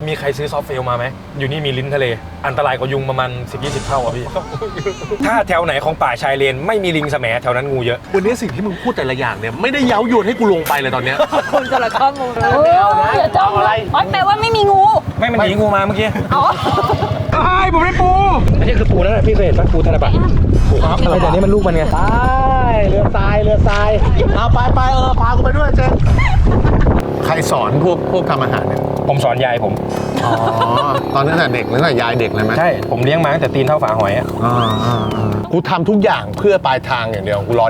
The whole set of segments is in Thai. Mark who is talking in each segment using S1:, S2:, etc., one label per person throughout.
S1: มีใครซื้อซอฟต์เฟลมาไหมอยู่นี่มีลิ้นทะเลอันตรายกว่ายุงประมาณ10-20 เท่าอ่ะพี่ ถ้าแถวไหนของป่าชายเลนไม่มีลิงแสมแถวนั้นงูเยอะ
S2: วันนี้สิ่งที่มึงพูดแต่ละอย่างเนี่ยไม่ได้เย้ายวนให้กูลงไปเลยตอนเนี้ย
S3: คนจะละข้อมูลอย่าจ้องอะไรแปลว่าไม่มีงู
S1: ไม่มันหนีงูมาเมื่อกี้
S3: อ๋อ
S1: ไอ้ผมได้ปูอันนี้คือปูนั่นแหละพี่เคยเห็นปะปูธนบัตรปูครับอะไรแต่นี้มันลูกมันไง
S2: ไปเรือทรายเอาไปพากูไปด้วยเจนใครสอนพวกทำอาหารเนี่ย
S1: ผมสอนยายผม
S2: อ๋อตอนนั้นน่ะเด็กแล้วน่ะยายเด็กเลยไหม
S1: ใช่ผมเลี้ยงมาตั้งแต่ตีนเท่าฝาหอยอ่ะ
S2: กูทำทุกอย่างเพื่อปลายทางอย่างเดียวกูรอ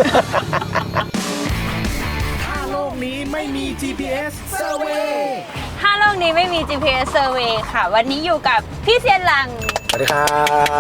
S4: ถ้าโลกนี้ไม่มี GPS Survey
S3: ถ้าโลกนี้ไม่มี GPS Survey ค่ะ วันนี้อยู่กับพี่เซียนหลัง
S1: สวัสดีครับ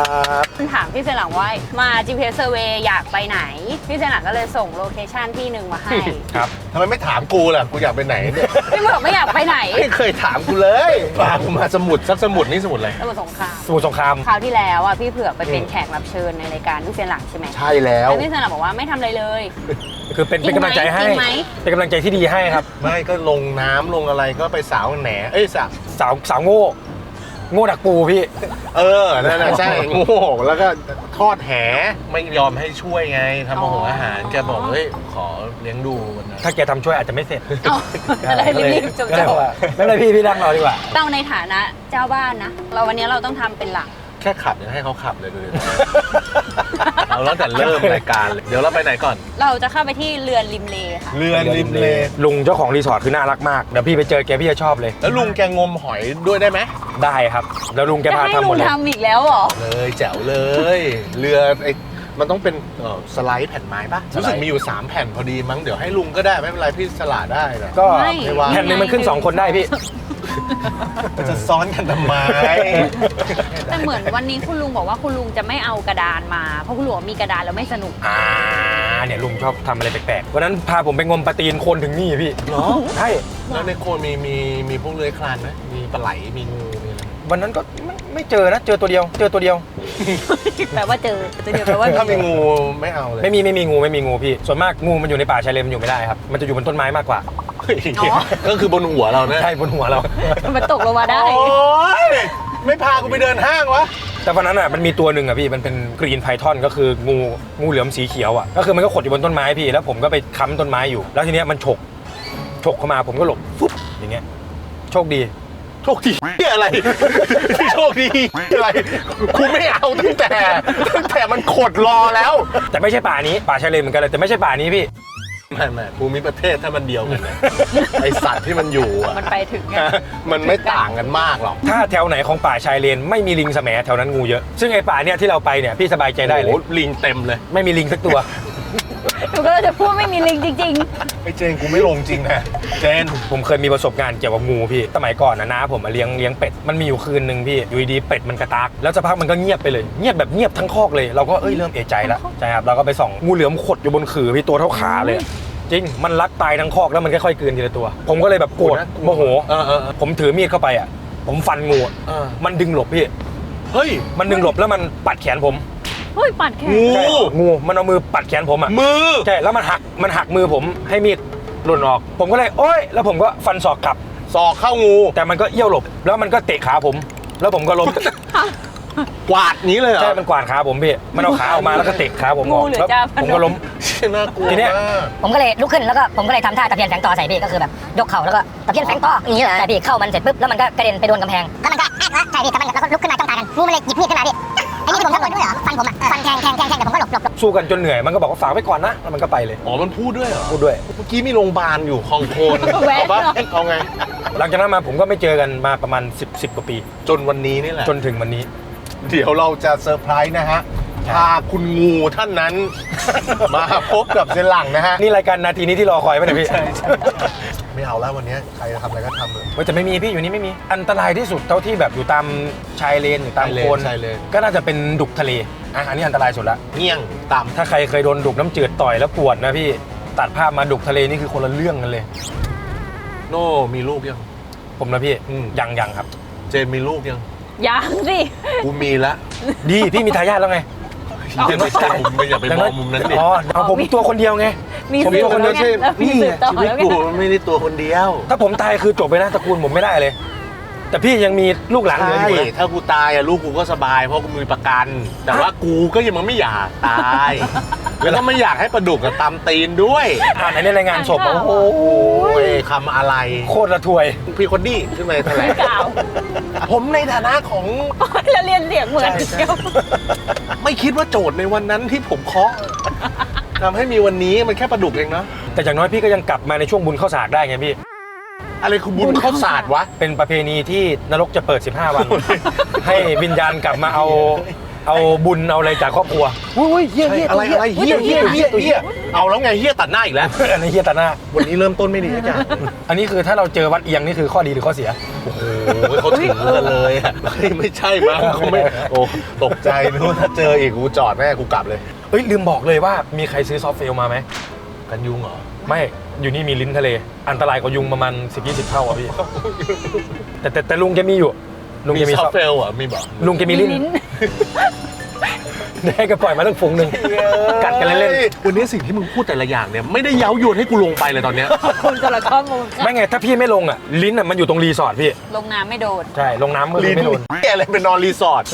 S3: ถามพี่เซียนหลังว่ามา GPS Survey อยากไปไหน พี่เซียนหลังก็เลยส่งโลเคชั่นที่หนึ่งมาให้
S1: ครับ
S2: ทำไมไม่ถามกูล่ะกูอยากไปไหนเนี่ย
S3: พี่บอกไม่อยากไปไหน
S2: ไม่เคยถามกูเลยพากูมาสมุดสักสมุดนี่สมุดอะไร
S3: สมุทรสงคราม
S1: สมุทรสงคราม
S3: คราวที่แล้วอ่ะพี่เผือกไปเป็นแขกรับเชิญในรายการพี่เซียนหลังใช่ไหม
S2: ใช่แล้ว
S3: แล้วพี่เซียนหลังบอกว่าไม่ทำอะไรเลย
S1: คือเป็นกำลังใจให้
S3: จริงไหม
S1: เป็นกำลังใจที่ดีให้ครับ
S2: ไม่ก็ลงน้ำลงอะไรก็ไปสาวแหน
S1: สาวโง่ดักปูพี่
S2: นั่นน่ะใช่โง่แล้วก็ทอดแหไม่ยอมให้ช่วยไงทำอาหารแกบอกเฮ้ยขอเลี้ยงดูวันนั้น
S1: ถ้าแกทำช่วยอาจจะไม่เสร็จ
S3: เอาอะไรรีบๆจบ
S1: ก็เลยว่าไม่เป็นไรพี่นั่งรอดีกว่า
S3: เราในฐานะเจ้าบ้านนะ เราวันนี้เราต้องทำเป็นหลัก
S2: แค่ขับยังให้เขาขับเลยดูดิ เราตั้งแต่เริ่มรายการเลยเดี๋ยวเราไปไหนก่อน
S3: เราจะเข้าไปที่เรือนริมเลค่ะ
S2: เรือริมเล
S1: ลุงเจ้าของรีสอร์ทคือน่ารักมากเดี๋ยวพี่ไปเจอแกพี่จะชอบเลย
S2: แล้วลุงแกงมหอยด้วยได้ไหม
S1: ได้ครับแล้วลุงแก
S3: จะ
S1: พา
S3: ให้
S1: ทำห
S3: ลุ
S1: มด
S3: ง
S1: เลย
S3: ทำอีกแล้วเหรอ
S2: เลยแจ๋วเลย เรือมันต้องเป็นสไลด์แผ่นไม้ปะรู้สึกมีอยู่3แผ่นพอดีมั้งเดี๋ยวให้ลุงก็ได้ไม่เป็นไรพี่สละได้นะ
S1: ก็
S3: ไม่
S1: แผ่นหนึงมันขึ้น2 คนได้พี่
S2: มันจะซ้อนกันทำไม
S3: แต่เหมือนวันนี้คุณลุงบอกว่าคุณลุงจะไม่เอากระดานมาเพราะคุณลุงบอกมีกระดานแล้วไม่สนุก
S1: เนี่ยลุงชอบทำอะไรแปลกๆวันนั้นพาผมไปงมปลาตีนโคนถึงนี่พี่
S2: เหรอ
S1: ใช่
S2: แล้วในโคนมีพวกเลื้อยคลานไหมมีปลาไหลมีงูมีอะไร
S1: วันนั้นก็ไม่เจอนะเจอตัวเดียว
S3: แปลว่าเจอตัวเดียวแปลว่า
S2: ถ้ามีงูไม่เอาเลย
S1: ไม่มีงูพี่ส่วนมากงูมันอยู่ในป่าชายเลนมันอยู่ไม่ได้ครับมันจะอยู่บนต้นไม้มากกว่า
S2: ก็คือบนหัวเราเนี่ย
S1: ใช่บนหัวเรา
S3: มันตกลงมาได้
S2: โอ๊ยไม่พากูไปเดินห้างวะ
S1: แต่วันนั้นอ่ะมันมีตัวหนึ่งอ่ะพี่มันเป็นกรีนไพทอนก็คืองูเหลือมสีเขียวอ่ะก็คือมันก็ขดอยู่บนต้นไม้พี่แล้วผมก็ไปค้ำต้นไม้อยู่แล้วทีเนี้ยมันฉกเข้ามาผมก็หลบฟุ๊บอย่างเงี้ยโชคดี
S2: โชคดีอะไร โชคดีอะไรกูไม่เอาตั้งแต่มันขดรอแล้ว
S1: แต่ไม่ใช่ป่านี้ป่าชายเลนเหมือนกันเลยแต่ไม่ใช่ป่านี้พี่
S2: ไม่ภูมิประเทศถ้ามันเดียวกันนะไอสัตว์ที่มันอยู่อ่ะ
S3: มันไปถึงไง
S2: มันไม่ต่างกันมากหรอก
S1: ถ้าแถวไหนของป่าชายเลนไม่มีลิงแสมแถวนั้นงูเยอะซึ่งไอ้ป่าเนี่ยที่เราไปเนี่ยพี่สบายใจได้เลย
S2: โอ้โหลิงเต็มเลย
S1: ไม่มีลิงสักตัว
S3: หนูก็จะพูดไม่มีลิงจริง
S2: ไอเจนกูไม่ลงจริงนะเจน
S1: ผมเคยมีประสบการณ์เกี่ยวกับงูพี่สมัยก่อนนะน้าผมมาเลี้ยงเป็ดมันมีอยู่คืนนึงพี่อยู่ดีๆเป็ดมันกระตากแล้วสักพักมันก็เงียบไปเลยเงียบแบบเงียบทั้งคอกเลยเราก็เริ่มเอะใจแล้วใช่ครับเราก็ไปส่องงูเหลือมขดอยู่บนขื่อพี่ตัวเท่าขาเลยจริงมันรัดตายทั้งคอกแล้วมันค่อยๆกลืนทีละตัว ผมก็เลยแบบโกรธโมโหผมถือมีดเข้าไปอ่ะผมฟันงูมันดึงหลบพี่
S2: เฮ้ย
S1: มันดึงหลบแล้วมันปัดแขนผม
S3: ๆเฮ้ยปัดแขน
S2: งู
S1: ใช่งูมันเอามือปัดแขนผมอ่ะ
S2: มือ
S1: ใช่แล้วมันหักมือผมให้มีดหล่นออก ผมก็เลยโอ๊ยแล้วผมก็ฟันศอกกลับ
S2: ศอกเข้างู
S1: แต่มันก็เอี้ยวหลบแล้วมันก็เตะขาผม แล้วผมก็ล้ม
S2: กวาดนี้เลยเหรอ
S1: ใช่มันกวาดขาผมพี่มันเอาขาออกมาแล้วก็เตะขาผมออกแล้วผมก็ล้ม
S2: น่ากลัว
S1: ทีเนี้ย
S2: มาก
S5: ผมก็เลยลุกขึ้นแล้วก็ผมก็เลยทำท่าตะเพียนแฝงต่อใส่พี่ก็คือแบบยกเข่าแล้วก็ตะเพียนแฝงต่ออย่างนี้เลยแต่พี่เข้ามันเสร็จปุ๊บแล้วมันก็กระเด็นไปโดนกำแพงแล้วมันก็แอ๊กใช่พี่แต่มันแล้วก็ลุกขึ้นมาจ้องตากันงูมันเลยหยิบมีดขึ้นมาพี่ไอ้นี่ผมทำด้วยเหรอฟันผมอ่ะฟันแทงแต่ผมก็หลบ
S1: สู้กันจนเหนื่อยมันก็บอกว่าฝากไว้ก่อนนะแล้วมันก็ไปเลย
S2: อ๋อมันพูดด้วยเหรอ
S1: พูดด้วย
S2: เมื่อกี้มีโรงพยาบาลอยู่คลองโคน
S3: แวะ
S2: เอาปะ
S3: หน่อย
S2: เอาไง
S1: หลังจากนั้นมาผมก็ไม่เจอกันมาประมาณ10 กว่าปี
S2: จนวันนี้นี่แหละ
S1: จนถึงวันนี้
S2: เดี๋ยวเราจะเซอร์ไพรส์นะฮะ พาคุณงูท่านนั้น มาพบกับเซนหลังนะฮะ
S1: นี่รายการนาทีนี้ที่รอคอยไหมเนี่ยพี่
S2: ไม่เอาแล้ววันนี้ใครจะทำอะไรก็ทำเลย
S1: เฮ้ยแต่ไม่มีพี่อยู่นี่ไม่มีอันตรายที่สุดเท่าที่แบบอยู่ตามชายเลนอยู่ตามโคน
S2: ใช่เลย
S1: ก็น่าจะเป็นดุกทะเลอันนี้อันตรายสุดละ
S2: เงี้ยงต่
S1: ถ้าใครเคยโดนดุกน้ำจืดต่อยแล้วปวดนะพี่ตัดภาพมาดุกทะเลนี่คือคนละเรื่องกันเลย
S2: ำโน่มีลูกยัง
S1: ผมนะพี่
S2: อืม
S1: ยังครับ
S2: เจนมีลูกยัง
S3: ยังสิ
S2: กูมีละ
S1: ดีพี่มีทายาทแล้วไง
S2: เจนไม่ใช่ผมไม่อย่าไปมองมุมนั้นดิ
S1: อ๋อเอาผมตัวคนเดียวไง
S3: มี
S1: ผม
S3: สืบ
S1: ตัวคนเดียว
S3: แล้วมีสืบต่อ
S2: ชีวิต
S3: แล้วไง
S2: กูไม่ได้ตัวคนเดียว
S1: ถ้าผมตายคือจบไปนะตระกูลผมไม่ได้เลยแต่พี่ยังมีลูกหลานเหลือ
S2: ใช่
S1: อยู่นะ
S2: ถ้ากูตายอะลูกกูก็สบายเพราะกูมีประกัน แต่ว่ากูก็ยังไม่อยากตาย แล้วก็ไม่อยากให้ปลาดุกกับตำตีนด้วย
S1: อ่านในรายงานศพโอ้โห
S2: โอ้ยคำอะไร
S1: โคตรละทวย
S2: พี่คนดี้ขึ้นมาแถลง
S3: กล่าว
S2: ผมในฐานะของ
S3: แล้วเรียนเสียงเหมือนเดียว
S2: ไม่คิดว่าโจทย์ในวันนั้นที่ผมเคาะทำให้มีวันนี้มันแค่ปลาดุกเองเนาะ
S1: แต่อย่างน้อยพี่ก็ยังกลับมาในช่วงบุญข้าวสากได้ไงพี่
S2: อะไรคือบุญข้าวสาดวะ
S1: เป็นประเพณีที่นรกจะเปิด 15 วัน ให้วิญญาณกลับมาเอาบุญเอาอะไรจากครอบครัวอุ้ยเฮี้ยเฮี้ย
S2: อะไรอะไรเฮี้ยเฮี้ยเฮี้ยเฮี้ยเอาแล้วไงเฮี้ยตัดหน้าอีกแล้ว
S1: อันนี้เฮี้ยตาหน้า
S2: วันนี้เริ่มต้นไม่ดีอาจารย์
S1: อันนี้คือถ้าเราเจอวัดเอียงนี่คือข้อดีหรือข้อเสีย
S2: โอ้โหเขาถึงกันเลยอะเฮ้ยไม่ใช่มั้งเขาไม่โอ้ตกใจนึกว่าถ้าเจออีกกูจอดแม่กูกลับเลย
S1: เอ้ยลืมบอกเลยว่ามีใครซื้อซอฟต์เฟลมาไหม
S2: กันยุงเหรอ
S1: ไม่อยู่นี่มีลิ้นทะเล อันตรายกว่ายุงประมาณ 10-20 เท่าอ่ะพี่ แต่ลุงแกมีอยู่ลุงแกมี
S2: ซอฟเฟลอ่ะมีบอก
S1: ลุงแกมีลิ้นได้ก็ปล่อยมาตั้งฝูงหนึ่งกัดกันเล่น
S2: วันนี้สิ่งที่มึงพูดแต่ละอย่างเนี่ยไม่ได้เย้ายวนให้กูลงไปเลยตอนเนี้ย
S3: คุณสารข้อมูล
S1: ๆไม่ไงถ้าพี่ไม่ลงอ่ะลิ้นอ่ะมันอยู่ตรงรีสอร์ทพี่
S3: ลงน้ำไม่โดน
S1: ใช่ลงน้ำมือ
S2: ลิ้น
S1: ไม่โดน
S2: แกอะไรเป็นนอนรีสอร์ท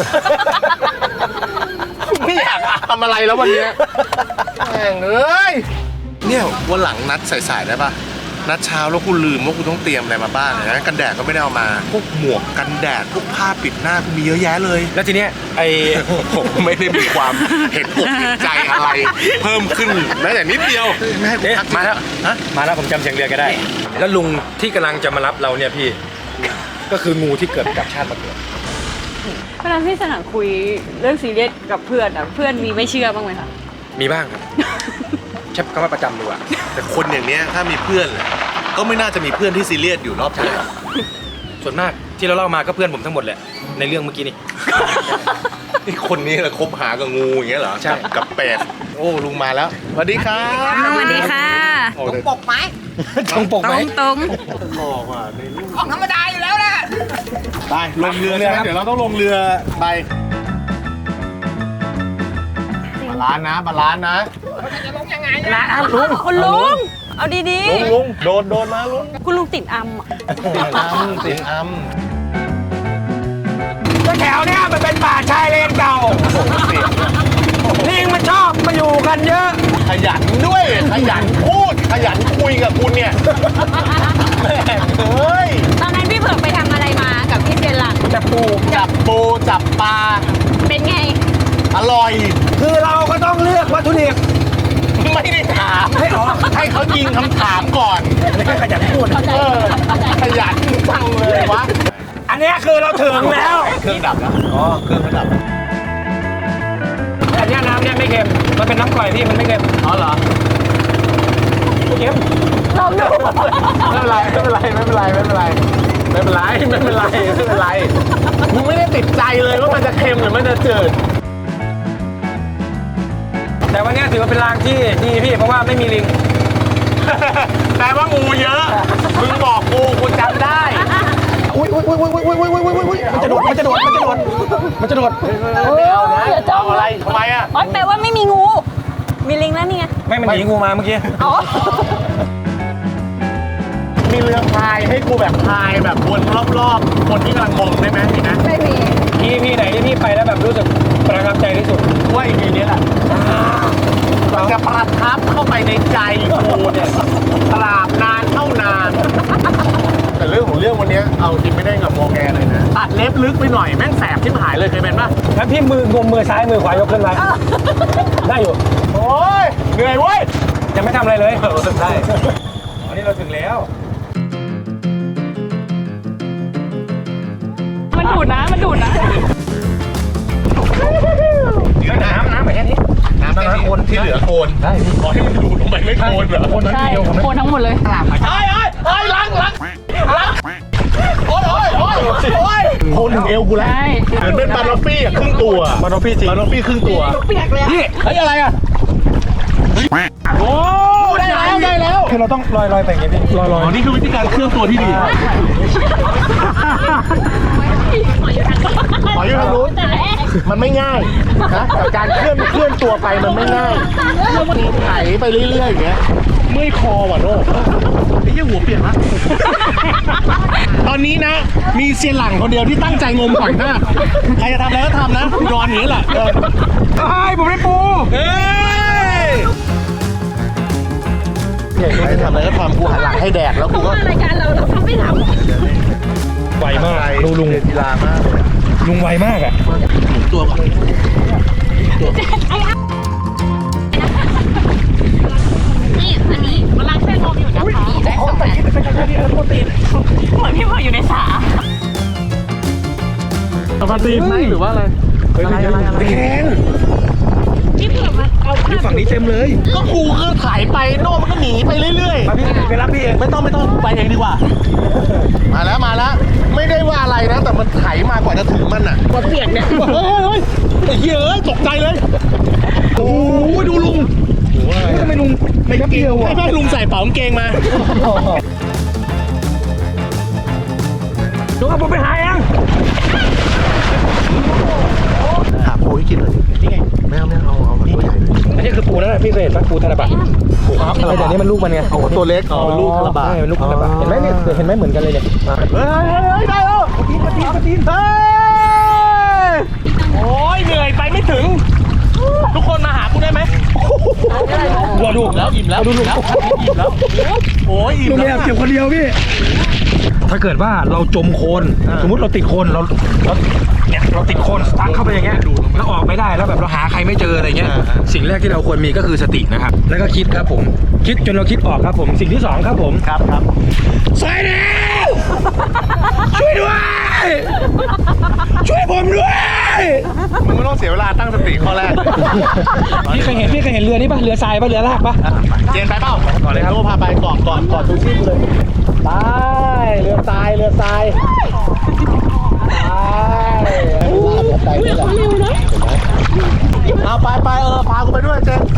S2: ไม่อยากทำอะไรแล้ววันเนี้ยแม่งเอ้ยเนี่ยวันหลังนัดสายๆได้ปะนัดเช้าแล้วกูลืมว่ากูต้องเตรียมอะไรมาบ้างนะกันแดดก็ไม่ได้เอามาพวกหมวกกันแดดพวกผ้าปิดหน้ากูมีเยอะแยะเลย
S1: แล้วทีเนี้ยไอ
S2: ผมไม่ได้มีความเห็นอกเห็นใจอะไร เพิ่มขึ้นแม้แต่นิดเดียวแม่กู
S1: เอ๊ะ
S2: ทัก
S1: มาแล้ว
S2: ฮะ
S1: มาแล้วผมจำเสียงเรือก็ได้ แล้วลุงที่กำลังจะมารับเราเนี่ยพี่ ก็คืองูที่เกิดกับชาติมาเกิด
S3: เวลาพี่สนามคุยเรื่องซีเรียสกับเพื่อนอ่ะเพื่อนมีไม่เชื่อบ้างไหมคะ
S1: มีบ้างครับใช้คำว่าประจำดีกว่า
S2: แต่คนอย่างเนี้ยถ้ามีเพื่อนแหละก็ไม่น่าจะมีเพื่อนที่ซีเรียสอยู่รอบตัว
S1: ส่วนมากที่เราเล่ามาก็เพื่อนผมทั้งหมดแหละในเรื่องเมื่อกี้นี่
S2: นี่คนนี้แหละคบหากับงูอย่างเงี้ยเหรอ
S1: ใช่
S2: กับเป็ดโอ้ลุงมาแล้วสวัสดีครับ
S3: สวัสดีค่ะ
S2: โอ้แต่
S1: ตรงปกไหม
S3: ตรง
S2: หล่อว่ะในรูป
S4: ของธรรมดาอยู่แล้วแหละ
S2: ไปลงเรือใช่ไหมเดี๋ยวเราต้องลงเรือไปบาลานซ์นะบาลานซ์นะ
S3: ร้านลุงคุณลุงเอาดี
S2: ลุงโดนมาลุง
S3: ๆคุณลุงติดอัมอ่ะ
S2: ติดอัม
S1: ก็แถวเนี้ยมันเป็นป่าชายเลนเก่าลิงมันชอบมาอยู่กันเยอะ
S2: ขยันด้วยขยันพูดขยันคุยกับคุณเนี่ยแม่งเฮ้ย
S3: ตอนนั้นพี่เผือกไปทำอะไรมากับพี่เจนหลัง
S1: แต่ปู
S2: จับปูจับปลา
S3: เป็นไง
S2: อร่อย
S1: คือเราก็ต้องเลือกวัตถุดิบ
S2: ไม่ได้ถามให้เขายิงคำถามก่อน
S1: ไม่ใช่ขยันพูด
S2: เออขยันจังเลยวะ
S1: อันเนี้ยคือเราถึงแล้ว
S2: เครื่องดับแล้วอ๋อเครื่องดับ
S1: อันเนี้ยน้ำเนี่ยไม่เค็มมันเป็นน้ำกร่อยพี่มันไม่เค็ม
S2: อ๋อเหรอ
S1: ไม่เค็ม
S3: ลองดู
S2: ไม่เป็นไรไม่เป็นไรไม่เป็นไรไม่เป็นไรไม่เป็นไรไม่เป็นไรไม่เป็นไรมึงไม่ได้ติดใจเลยว่ามันจะเค็มหรือมันจะจืด
S1: แต่วันเนี้ยถือว่าเป็นรางที่ดีพี่เพราะว่าไม่มีลิง
S2: แต่ว่างูเยอะมึงบอกกูจำได้
S1: อุ้ยมันจะโดดมันจะโดด
S2: ไม่เอานะเอาอะไรทำไมอ่ะ
S3: อ๋อแปลว่าไม่มีงู มีลิงแล้วนี่ไง
S1: ไม่มันหนีงูมาเมื่อกี้
S3: อ๋อ
S2: มีเรือพายให้กูแบบพายแบบวนรอบๆคนที่กำลังมองได้ไหมมีนะ
S3: ไม่มี
S1: พี่ไหนที่พี่ไปแล้วแบบรู้สึกประทับใจที่สุด
S2: ว่าอีพีนี้แหละมันจะประทับเข้าไปในใจกูเนี่ยตราบนานเท่านาน แต่เรื่องของเรื่องวันนี้เอาจริงไม่ได้กับโมแกเลยนะตัดเล็บลึกไปหน่อยแม่งแสบชิบหายเลยเคยเป็นปะ
S1: แล้วพี่มือซ้ายมือขวายกขึ้นมาได้อยู่
S2: โอ้ยเหนื่อยเว้ย
S1: ยังไม่ทำอะไรเลย
S2: ได้
S1: อันนี้เราถึงแล้ว
S3: มันดูดนะ
S1: เหลือน้ำแบบแค่นี้
S2: น้ำแค่นี้ที่เหลือโคนได้ขอให้มันดูดลงไปไม่โคนเหรอ
S3: ใช่โคนทั้งหมดเลย
S2: ไอ้ล้างโอ้ยโคนถึงเอวกูแล้ว
S3: ใช่
S2: เหมือนเป็นบานอฟฟี่อะครึ่งตัวบานอฟฟี่จริงบานอฟฟี่ครึ่งตัว
S3: เปียกเลย
S2: นี่เฮ้ยอะไรอ่ะโอ้ได้แล้ว
S1: คือเราต้องลอยไปอย่างงี้พี่ลอย
S2: อ๋อนี่คือวิธีการเคลื่อนตัวที่ดีขออยู่ทางนู้นมันไม่ง่ายนะกับการเคลื่อนตัวไปมันไม่ง่ายมีไถไปเรื่อยๆอย่างเงี้ยเมื่อยคอว่ะโน่ไอ้เหี้ยหัวเปียกละตอนนี้นะมีเซียนหลังคนเดียวที่ตั้งใจงมหอยมากใครจะทำอะไรก็ทำนะกูนอนอย่างนี้แหละ
S1: ผมได้ปู
S2: ใครทำอะไรก็ทำกูหันหลังให้แดกแล้วกูก็
S3: รายการเราทำไม่ทำ
S1: ไวมากลุง
S2: กีฬามากเลย
S1: ลุงไวมากอ่ะ
S2: ตัวก่อน
S3: นี่อันนี้กำลังช่วยงมอยู่นะคะได้สองอันเหมือนพี่พออยู่ในสา
S2: ปกติไหมหรือว่าอะไรอะไร
S1: แคน
S3: พี่เผื่อมาเอา
S1: อยู่ฝั่งนี้เต็มเลย
S2: ก็กูก็ถ่ายไปโน่มันก็หนีไปเรื่อย
S1: มาพี่ไปรับพี่เอง
S2: ๆไม่ต้องไปเองดีกว่า มาแล้วไม่ได้ว่าอะไรนะแต่มันไถมากว่าจะถึงมันอ่ะ
S3: หัวเปียกเนี่ย
S2: เฮ้ยไอ้เหี้ยตกใจเลยโอ้ยดูลุง
S1: ทำไมลุงไม่เกี่ยวอ่ะ
S2: ให้แม่ลุงใส่เป๋ากางเกงมา
S1: ลุงเอาผมไปหาเอง
S2: หาปูให้กินเลยนี่ไงไม่เอาตัวใหญ่เลย
S1: อันนี้คือปูนั่นแหละพี่เคยเห็นปะปูธนบัตรปูครับแต่เดี๋ยวนี้มันลูกมันไง
S2: โอ้ตัวเล็กเป็นลูกคาราบา
S1: ใช่เป็นลูกธนบัตรเห็นไหมเนี่ยเห็นไหมเหมือนกันเลยเนี่ย
S2: เฮ้ยได้แล้วปะตีนเฮ้ยโอ้ยเหนื่อยไปไม่ถึง ทุกคนมาหากูได้ไหม
S1: รอดู
S2: แล้วอิ่มแล้วดูลุงอิ่มแล้วโอ้ยอิ่ม
S1: ลุง
S2: แล้
S1: ไม่
S2: ว
S1: อยากเก็บคนเดียวพี่ถ้าเกิดว่าเราจมโคลนสมมติเราติดโคลนเราเนี่ยเราติดโคลนสตั๊กเข้าไปอย่างเงี้ยแล้วออกไม่ได้แล้วแบบเราหาใครไม่เจออะไรเงี้ยสิ่งแรกที่เราควรมีก็คือสตินะครับแล้วก็คิดครับผมคิดจนเราคิดออกครับผมสิ่งที่สองครับผม
S2: ครับ
S1: สายแนวช่วยด้วยช่วยผมด้วย
S2: มึงไม่ต้องเสียเวลาตั้งสติข้อแรกเลย
S1: พี่เคยเห็นเรือนี้ปะเรือทรายปะเรือลากปะ
S2: เจนไปเปล่า
S1: ก่อนเลยครับ
S2: โน้พาไปก่อนชูชีพเลยไปเรือทรายไปเอาไปพากูไปด้วยเจน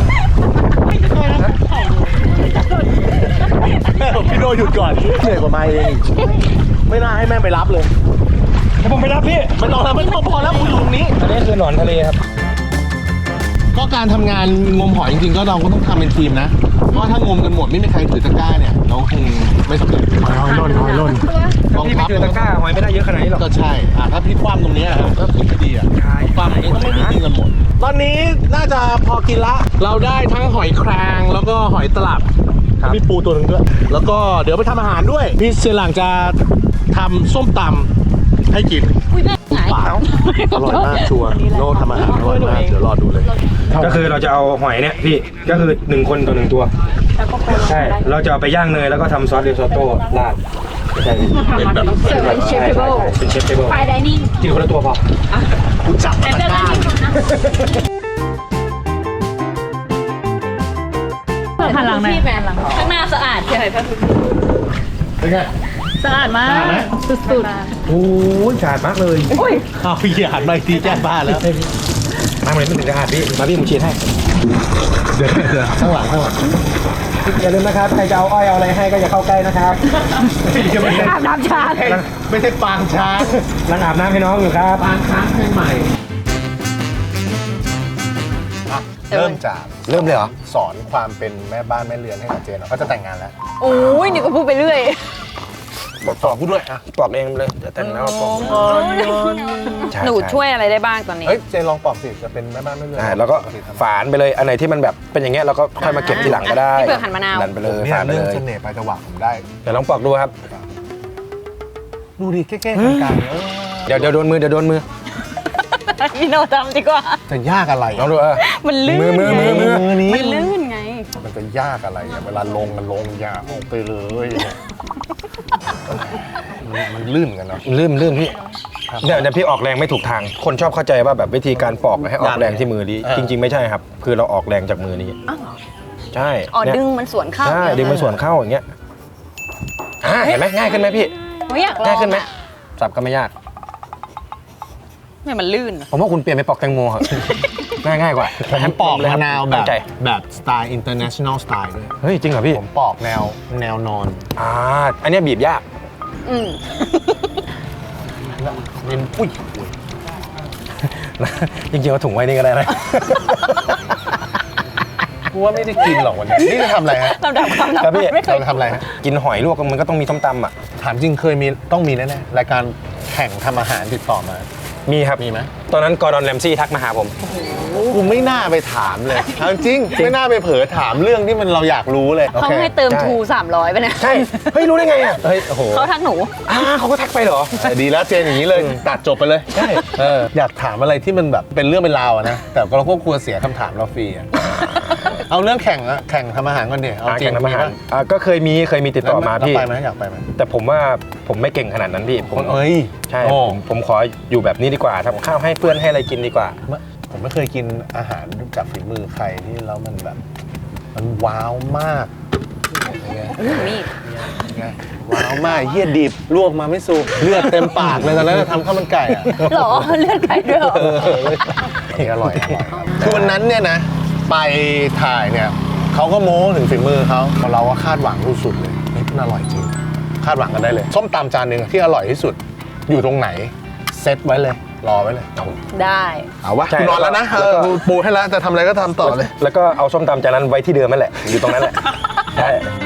S2: พี่โดหยุดก่อนเหนื่อยกว่ามาเองไม่น่าให้แม่ไปรับเลย
S1: เดี๋ยวผมไปรับพี่
S2: ไม่ต้องพอแล้วกูอยู่ตรงนี้
S1: อันนี้คือหนอนทะเลครับ
S2: ก็การทำงานงมหอยจริงๆก็เราก็ต้องทำเป็นทีมนะเพราะถ้างมกันหมดไม่มีใครถือตะกร้าเนี่ยเราคงไม่สำเร็จหอยล่น
S1: พี่ไม่เจอตะกร้าหอยไม่ได้เยอะขนาดนี้หรอก
S2: ก็ใช่ถ้าพี่คว่ำตรงนี้ก็ถือไม่ดีคว่ำนี้ก็ไม่กินกันหมดตอนนี้น่าจะพอกินละเราได้ทั้งหอยแครงแล้วก็หอยตลับมีปูตัวหนึ่งด้วยแล้วก็เดี๋ยวไปทำอาหารด้วยพี่เสียหลังจะทำส้มตำให้กิน
S3: อุ้ยแม่หงาย
S2: เปล่าอร่อยมากชัวร์โน่ทำอาหารอร่อยมากเดี๋ยวรอดูเลย
S1: ก็คือเราจะเอาหอยเนี่ยพี่ก็คือ1คนต่อ1ตัวใช่เราจะเอาไปย่างเนยแล้วก็ทำซอสเดลซอโต้ราดใช่
S2: เป็นแบบ
S3: เสิร์ฟเป็นเชฟเทเบิล
S1: เป็นเชฟเทเบิล
S3: ไฟไดนิ่ง
S1: กินคนละตัวพอ
S2: กูจับ
S3: แต่เรื่องนี้นะหันหลังหน่อยข้างหน้าสะอาดใช่ไหมพ่อ
S2: เป็นไง
S3: สะอาดมากสุด
S1: โอ้ยสะอาดมากเลย
S2: เอาพี่หันมาอีกทีแจ้งบ้านแล้ว
S1: มาเหมือนไม่ถึงสะอาดพี่มาพี่ผมฉีดให้
S2: เดี๋ยวข้างหลัง
S1: อย่าลืมนะครับใครจะเอาอ้อยเอาอะไรให้ก็อย่าเข้าใกล้นะครับ
S3: ๆอาบน้ำชา
S2: ไม่ใช่ปางช้าง
S1: นั่งอาบน้ำให้น้องอยู่ครับ
S2: ปางช้างเพลงใหม่เริ่มจาก
S1: เริ่มเลยเหรอ
S2: สอนความเป็นแม่บ้านแม่เรือนให้กับเจนเขาจะแต่งงานแล้ว
S3: โอ้ยนี่ก็พูดไปเรื่อย
S2: สอนกูด้วยอ่ะ
S1: ปลอบเองเลยจะแต่งแล้วปลอบใ
S3: หนูช่วยอะไรได้บ้างตอนนี้
S2: เฮ้ยเจนลองปอบสิจะเป็นแม่บ้านแม่เรือน
S1: ใช่แล้วก็ฝานไปเลยอันไหนที่มันแบบเป็นอย่างเงี้ยเราก็ค่อยมาเก็บทีหลังก็ได้
S3: พี่เผือกหั่นมะนาว
S1: นั่นไปเลย
S2: เนี่ย
S1: ฝานไป
S2: เรื่อง
S1: เลย
S2: เสน่ห์ปลายจังหวะผมได้
S1: เดี๋ยวลองปอกดูครับ
S2: ดูดิแก้ๆกลางๆ
S1: เดี๋ยวโดนมือเดี๋ยวโดนมือ
S3: พี่โนทำดีกว่า
S2: จะยากอะไร
S1: ลองดู
S3: มันลื่น
S1: มือ
S2: นี้
S3: มันลื่นไง
S2: มันจะยากอะไรอ่ะเวลาลงมันลงยากออกไปเลยมันลื่นกันเนาะ
S1: ลื่นพี่เนี่ยพี่ออกแรงไม่ถูกทาง คนชอบเข้าใจว่าแบบวิธีการปอกให้ออกแรงที่มือนี้จริง ๆไม่ใช่ครับ คือเราออกแรงจากมือนี้ใช่
S3: อ๋อ
S1: เนี่ย
S3: ดึงมันสวนเข้า
S1: ใช่ดึงมันส่วนเข้าอย่างเงี้ยเห็นไหมง่ายขึ้นไหมพี่
S3: โอ้ยอยากลอง
S1: ง่ายขึ้นไหมสับก็ไม่ยาก
S3: เนี่ยมันลื่น
S1: ผมว่าคุณเปลี่ยนไปปอกแตงโมครับ ง่ายกว่า
S2: ผมปอกมะนาวแบ
S1: ตั้
S2: บ
S1: งใจ
S2: แบบสไตล์ international style ด้วย
S1: เฮ้ยจริงเหรอพี่
S2: ผมปอกแนวนอน
S1: อันเนี้ยบีบยาก
S3: อืม
S2: เน้นอุ้ย
S1: จริงๆเอาถุงไว้นี่ก็ได้นะ
S2: กูว่าไม่ได้กินหรอกวันนี้นี่จะทำอะไรฮะ
S3: ลำดับความลับ
S1: ครับพี่
S3: ไม่เคย
S2: เราจะทำอะไรฮะ
S1: กินหอยลวกมันก็ต้องมีส้มตำอ่ะ
S2: ถามจริงเคยมีต้องมีแน่ๆรายการแข่งทำอาหารติดต่อมา
S1: มีครับ
S2: มีไหม
S1: ตอนนั้นกอร์ดอนแรมซี่ทักมาหาผม
S2: กูไม่น่าไปถามเลยเอาจริงไม่น่าไปเผลอถามเรื่องที่มันเราอยากรู้เลย
S3: เขาให้เติมทู300ไปเนี่ย
S1: ใช่ เฮ้ยรู้ได้ไงอ่ะ
S2: เฮ้ยโอ้โห
S3: เขาทักหนู
S1: เขาก็ทักไปเหรอ
S2: ดีแล้วเจนอย่างนี้เลยตัดจบไปเลย
S1: ใช่
S2: อยากถามอะไรที่มันแบบเป็นเรื่องเป็นราวอะนะแต่เราก็กลัวเสียคำถามเราฟรีอะเอาเรื่องแข่งอะแข่งทำอาหารก่อนดิเอาจริ
S1: แข่
S2: ง
S1: งทำอาหาร
S2: มีปะ
S1: ก็เคยมีติดต่อมา
S2: แล้ว
S1: พี่
S2: ไปไหมอยากไปไหม
S1: แต่ผมว่าผมไม่เก่งขนาดนั้นพี่ผม
S2: เอ้ย
S1: ใช่
S2: โอ้
S1: ผมขออยู่แบบนี้ดีกว่าทำข้าวให้เพื่อนให้อะไรกินดีกว่า
S2: ผมไม่เคยกินอาหารจากฝีมือใครที่แล้วมันแบบ มันว้าวมากยังไง
S3: นี่
S2: ยังไงว้าวมากเหี้ยดิบลวกมาไม่สุกเลือดเต็มปากเลยตอนนั้นทำข้าวมันไก่อะ
S3: หรอเลือดไก่ด้วยเหรอ
S2: อร่อยคือวันนั้นเนี่ยนะ ไปถ่ายเนี่ยเขาก็โม้ถึงฝีมือเขาเราก็คาดหวังสุดๆเลยเฮ้ยมันอร่อยจริง คาดหวังกันได้เลย ส้มตำจานหนึ่งที่อร่อยที่สุด อยู่ตรงไหน เซตไว้เลย รอไว้เลย
S3: ได้
S2: เอาวะ
S1: ใช่
S2: กูนอนแล้วนะ
S1: แล้วก็
S2: กูปูให้แล้วจะทำอะไรก็ทำต่อเลย
S1: แล้วก็เอาส้มตำจานนั้นไว้ที่เดิมนั่นแหละ อยู่ตรงนั้นแหละ ใช่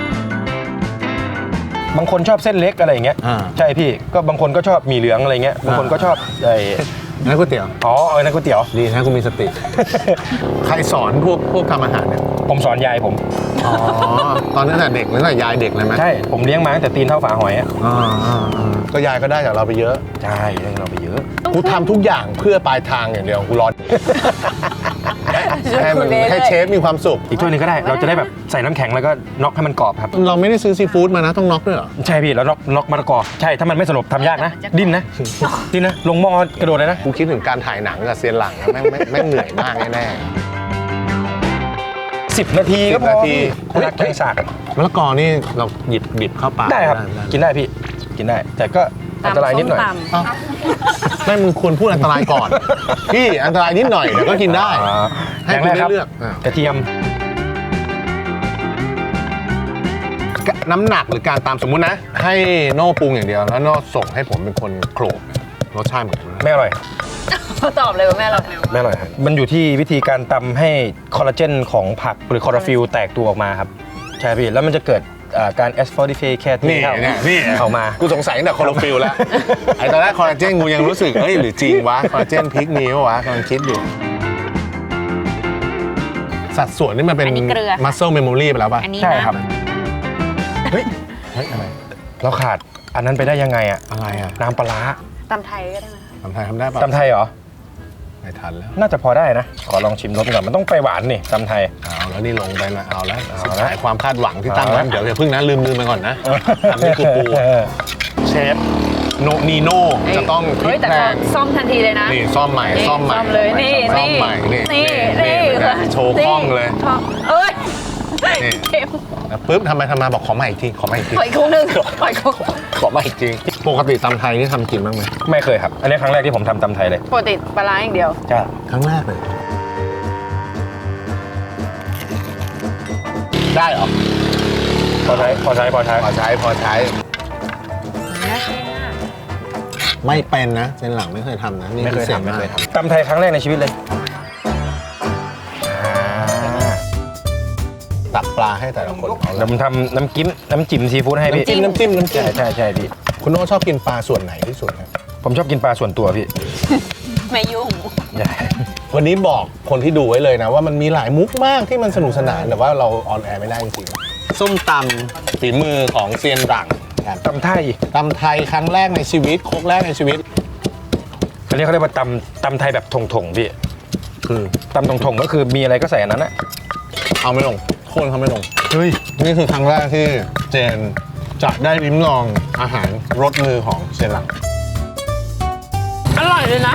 S1: บางคนชอบเส้นเล็กอะไรอย่างเงี้ย
S2: อ่า
S1: ใช่พี่ ก็บางคนก็ชอบหมี่เหลืองอะไรเงี้ย บางคนก็ชอบไอ้
S2: นั่นก๋วยเตี๋ยว
S1: อ๋อนั่นก๋วยเตี๋ยว
S2: ดีนะกูมีสติ ใครสอนพวกทำอาหารเนี่ย
S1: ผมสอนยายผม
S2: อ๋อ ตอนนั้นน่ะเด็กแล้วน่ะยายเด็กเลยไหม
S1: ใช่ ผมเลี้ยงมาตั้งแต่ตีนเท่าฝาหอยอะ
S2: ก็ยายก็ได้จากเราไปเยอะ
S1: ใช่เลี้ยงเราไปเยอะ
S2: กูทำทุกอย่างเพื่อปลายทางอย่างเดียวกูรอ ให้มันให้เชฟมีความสุข
S1: อีกถ้วยหนึงก็ได้ เราจะได้แบบใส่น้ำแข็งแล้วก็น็อกให้มันกรอบครับ
S2: เราไม่ได้ซื้อซีฟู้ดมานะต้องน็อกด้วยเหรอ
S1: ใช่พี่ แล้วน็อกมะละกอ ใช่ ถ้ามันไม่สลบทำยากนะ ดิ้นนะ ดิ้นนะ ลงหม้อกระโดดเลยนะ
S2: กูคิดถึงการถ่ายหนังกับเซียนหลังนะแม่งเหนื่อยมากแน่
S1: 10 นาทีก็พอ
S2: 10 นาที
S1: พี่รักแกงสากอะ
S2: ๆมะละกอนี่เราหยิบบิบเข้าปาก
S1: ได้ครับ กินได้พี่ กินได้ แต่ก็อันตรายนิดหน่อย
S3: ตำส้มต
S2: เอ้าไม่มึงควรพูดอันตรายก่อน พี่อันตรายนิดหน่อยเดี๋ยวก็กินได้ ให้
S1: อย่าง
S2: คุ
S1: แร
S2: ณ
S1: กครับ
S2: ได้เลือก
S1: กระเทียม
S2: น้ำหนักหรือการตามสมมุตินะ ให้โน่ปรุงอย่างเดียวแล้วโน่ส่งให้ผมเป็นคนโขลกรสชาติเหมือนกันไหม
S1: ไม่อร่อย
S3: ำเขาตอบเลยว่าแม่เรา
S1: ไม่อร่อยครับมันอยู่ที่วิธีการตำให้คอลลาเจนของผักหรือคลอโรฟิลแตกตัวออกมาครับ ใช่พี่ แล้วมันจะเกิดการแอสฟอร์ดิเฟแคท
S2: นี่เนี่ยนี่
S1: ออกมา
S2: กูสงสัยตั้งแต่คอลลาฟิลแล้ว ไอ้ตอนแรกคอลลาเจนกูยังรู้สึกเอ้ยหรือจริงวะคอลลาเจนพริกมีปะวะกำลังคิดอยู่ สัดส่วนนี่มันเป็น
S3: อันนี้เกลือ
S2: muscle memory ไปแล้วป่ะ
S3: อันนี้
S1: ใช่
S3: นะครับ
S1: เฮ้ย
S2: เฮ้ยอะไร
S1: เราขาดอันนั้นไปได้ยังไงอะ
S2: อะไรอ่ะ
S1: น้ำปลาร้า
S3: ตำไทยก็ได้ไหม
S2: ทำไทยทำได้ป่ะ
S1: ตำไทยเหรอ
S2: ไม่ทันแล้ว
S1: น่าจะพอได้นะ ขอลองชิมรสก่อน มันต้องไปหวานนี่ตำไทย
S2: เอาแล้วนี่ลงไปนะเอาแล้ว
S1: เอา
S2: สุด
S1: แล้ว
S2: ท้ายความคาดหวังที่ตั้ง
S1: เอาแล้
S2: นั้
S1: วน
S2: เดี๋ยวอย่าเพิ่งนะลืมไปก่อนนะทำนี่คือปูเชฟโนนีโน่จะต้องพลิ
S3: เฮ้ย
S2: ก
S3: แต่
S2: แพล
S3: เขา
S2: ง
S3: ซ่อมทันทีเลยนะ
S2: นี่ซ่อมใหม่
S3: นี่
S2: ซ่อมใหม่
S3: ซ่อมเลยนี่
S2: ซ่อมใหม่นี่
S3: นี่
S2: นี่
S3: นี่
S2: เป็นไงโชว์คล่องเลย
S3: คล่องเอ้ย
S2: นี่
S3: เข็ม
S2: แล้วปุ๊บทำมาบอกขอใหม่อีกทีขอใหม่อีกที
S3: ขออีกคู่หนึงขออีกคู่
S2: ขอใหม่อีกทีปกติตำไทยนี่ทำกินบ้างไหม
S1: ไม่เคยครับ อันนี้ครั้งแรกที่ผมทำตำไทยเลย
S3: ปกติปลาร้าอย่างเดียว
S1: ใช่
S2: ครั้งแรกเลย ได้เหรอ
S1: พอใช้
S2: พอใช้พอใช้ ไม่เป็นนะเส้นหลังไม่เคยทำนะนี่
S1: ไม่เคย
S2: พิศษ
S1: ทำไม่เคย
S2: าก
S1: ทำตำไทยครั้งแรกในชีวิตเลย
S2: ตักปลาให้แต่ละคนเอา
S1: เดี๋ยวผมทำน้ำจิ้มซีฟู้ดให้พี่
S2: น้ำจิ้ม
S1: ใช่พี่
S2: คุณโน่ชอบกินปลาส่วนไหนที่สุดครับ
S1: ผมชอบกินปลาส่วนตัวพี่
S3: ไม่ยุ่ง
S1: ใช่
S2: วันนี้บอกคนที่ดูไว้เลยนะว่ามันมีหลายมุกมากที่มันสนุกสนานแต่ว่าเราออนแอร์ไม่ได้จริงๆส้มตำฝีมือของเซียนหลังครับ
S1: ตำไทย
S2: ตำไทยครั้งแรกในชีวิตครกแรกในชีวิต
S1: อันนี้เขาเรียกว่าตำไทยแบบถงพี่
S2: คือ
S1: ตำถงก็คือมีอะไรก็ใส่อันนั้นอะ
S2: เอาไม่ลงโคนเขาไม่ลง
S1: เฮ้ย
S2: นี่คือครั้งแรกที่เจนจะได้ลิ้มลองอาหารรสมือของเซียนหลัง
S3: อร่อยเลยนะ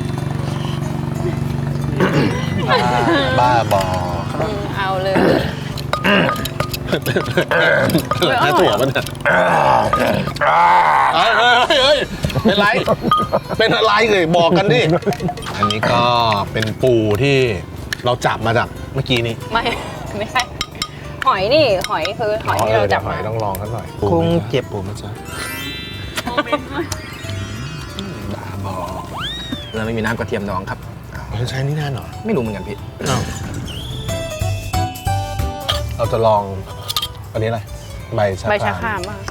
S2: บ้าบอ
S3: เอาเลย
S2: แค่ถั่วมันเนี่ยเฮ้ยเป็นไร เป็นอะไรเลยบอกกันดิ อันนี้ก็เป็นปูที่เราจับมาจากเมื่อกี้นี้
S3: ไม่ใช่หอยนี่หอยคือหอยที่เราจับ
S2: หอ
S3: มาย
S2: ต้องลองกันหน่อย
S1: คงเจ็บ
S2: ปูมันจะ
S1: เราไม่มีน้ำกระเทียมดองครับ
S2: มันใช้นี่นานเหรอ
S1: ไม่รู้เหมือนกันพี่
S2: เราจะลองอันนี้อะไรใบชะ
S3: ใบ
S2: ค
S3: ชะ
S2: ราม
S3: ครามอ่ะ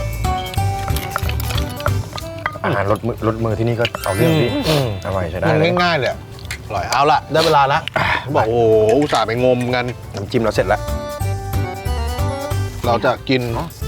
S1: อาหารรสมือที่นี่ก็เอาเรื่องพี่อร่อยใช้ได้
S2: มัน
S1: เลย
S2: ง่ายๆเลยอะอร่อยเอาละได้เวลาละบอกโอ้โหอุตส่าห์ไปงมกัน
S1: น้ำจิ้มเราเสร็จแล้ว
S2: เราจะกิน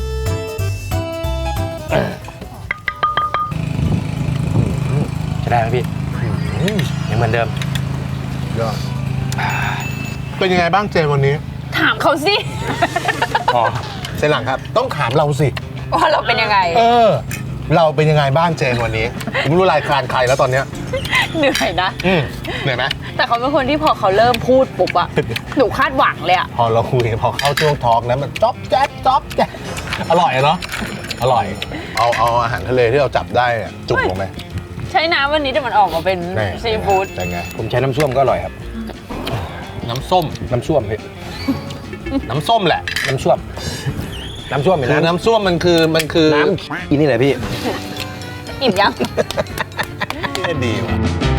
S1: ใช้ได้ไหมพี่ยังเหมือนเดิม
S2: ยอดเป็นยังไงบ้างเจนวันนี้
S3: ถามเขาสิ
S1: อ๋อ
S2: เซนหลังครับ ต้องถามเราสิ
S3: ว่าเราเป็นยังไง
S2: เราเป็นยังไงบ้างเจนวันนี้ผมไม่รู้รายการใครแล้วตอนเนี้ย
S3: เหนื่อยนะ
S2: เหนื่อยไหม
S3: แต่เขาเป็นคนที่พอเขาเริ่มพูดปุ๊บอะหนูคาดหวังเลยอะ
S2: พอเราคุยพอเข้าช่วงทอล์กนะมันจ๊อบแจ๊บจ๊อบแจ๊บอร่อยเนาะอร่อย เอาอาหารทะเลที่เราจับได้อะจุกลงไป
S3: ใช้น้ำวันนี้แต่มันออกมาเป็น
S2: แน่
S3: ซีฟู้ด
S2: เป็นไง
S1: ผมใช้น้ำส้วมก็อร่อยครับ
S2: น้ำส้ม
S1: น้ำส้วมพี่
S2: น้ำส้มแหละ
S1: น้ำส้วมน้ำส้วมเป็น
S2: คือ
S1: น้ำ
S2: น้ำส้มมันคือ
S1: น้ำอีนี่แหละพี่
S3: อิ่มยัง
S2: ที่ดีว่ะ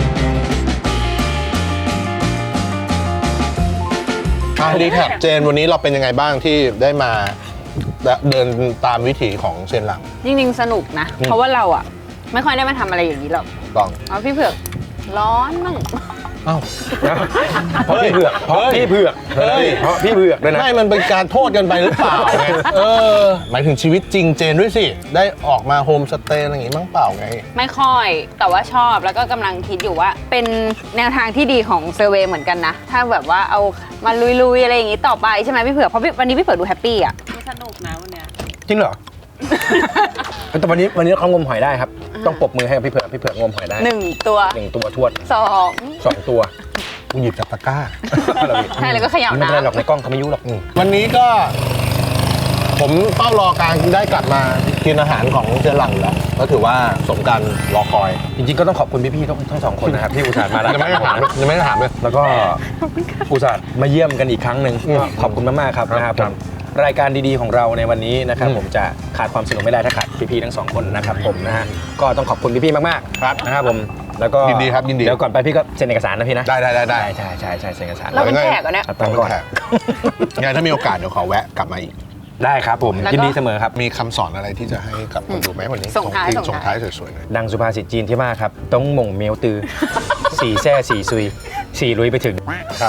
S2: ดีครับเจนวันนี้เราเป็นยังไงบ้างที่ได้มาเดินตามวิถีของเซนหลัง
S3: จริงๆสนุกนะ เพราะว่าเราอะไม่ค่อยได้มาทำอะไรอย่างนี้หรอก
S2: ต้อง
S3: เอาพี่เผือกร้อนมั่ง
S2: เอ้า
S1: เพราะพี่เผือกเพราะพี่เผือก
S2: เฮ้ย
S1: เพราะพี่เผือกด้วยนะ
S2: ไม่มันเป็นการโทษกันไปหรือเปล่าไงหมายถึงชีวิตจริงเจนด้วยสิ ได้ออกมาโฮมสเตย์อะไรอย่างงี้มั้งเปล่าไง
S3: ไม่ค่อย แต่ว่าชอบแล้วก็กำลังคิดอยู่ว่า เป็นแนวทางที่ดีของเซอร์เวย์เหมือนกันนะ ถ้าแบบว่าเอามาลุยๆอะไรอย่างนี้ต่อไปใช่ไหมพี่เผือกเพราะวันนี้พี่เผือกดูแฮปปี้อะสนุกนะวันเนี้ย
S1: จริงเหรอ แต่วันนี้เขางมหอยได้ครับ ต้องปรบมือให้กับพี่เผือกงมหอยได้
S3: 1 ตัว
S1: 1 ตัวทวด
S3: 2
S1: 2 ตัว
S2: กูหยิบจากตะกร้า
S3: ใช่แล้วก็เขย่า
S1: ไม่เป็นไรหรอก
S3: น้ำ
S1: ในกล้องเขาไม่ยุ่งหรอก
S2: วันนี้ก็ผมเฝ้ารอการได้กลับมากินอาหารของเจนหลังอยู่แล้วก็ถือว่าสมการรอคอย
S1: จริงๆก็ต้องขอบคุณพี่ๆทั้งสองคนนะครับที่อุตส่าห์มาแล้ว
S2: ยังไม่ได้ถามเลย
S1: แล้วก็อุตส่าห์มาเยี่ยมกันอีกครั้งหนึ่งก็ขอบคุณมากๆครับนะครับผมรายการดีๆของเราในวันนี้นะครับผมจะขาดความสนุกไม่ได้ถ้าขาดพี่ๆทั้งสองคนนะครับผมนะฮะก็ต้องขอบคุณพี่ๆมากๆ
S2: ครับ
S1: นะครับผมแล้วก็
S2: ยินดีครับยินดี
S1: เดี๋ยวก่อนไปพี่ก็เซ็นเอกสารนะพี่นะ
S2: ได้
S1: ใช่เซ็นเอกสาร
S3: เราเป็นแขกเหรอเนี่ย
S1: ตั้งก่อน
S2: งั้นถ้ามีโอกาสเดี๋ยวขอแวะกลับมาอีก
S1: ได้ครับผม
S3: แล้วก็
S1: ยินดีเสมอครับ
S2: มีคำสอนอะไรที่จะให้กับคนดูไหมวันนี้
S3: ส่งท้าย
S2: ส่งท้ายสวยๆหน่อย
S1: ดังสุภาษิตจีนที่ว่าครับต้องหม่งเมียวตือ สี่แซ่สี่ซุยสี่ลุยไปถึงครับ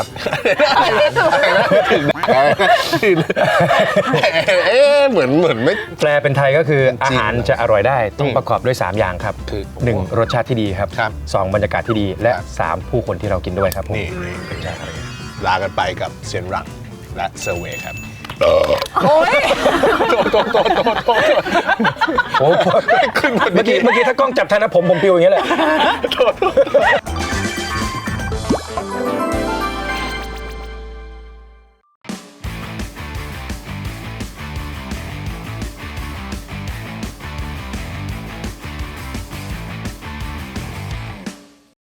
S2: เหมือนไม่
S1: แปลเป็นไทยก็คือ
S2: จริง
S1: อาหารจะอร่อยได้ต้องประกอบด้วย 3 อย่างครับ
S2: คือ
S1: 1 รสชาติที่ดีครับ
S2: ครับ
S1: 2 บรรยากาศที่ดีและ
S2: ครับ
S1: 3 ผู้คนที่เรากินด้วยครับผม
S2: นี่ลากันไปกับเซียนรังและเซอร์เวย์ครับ
S3: โอ้ย
S2: โทษ
S1: โอ้โห
S2: ขึ้น
S1: เมื่อกี้ถ้ากล้องจับทันนะผมปิวอย่างเงี้ยแหละ
S2: โทษ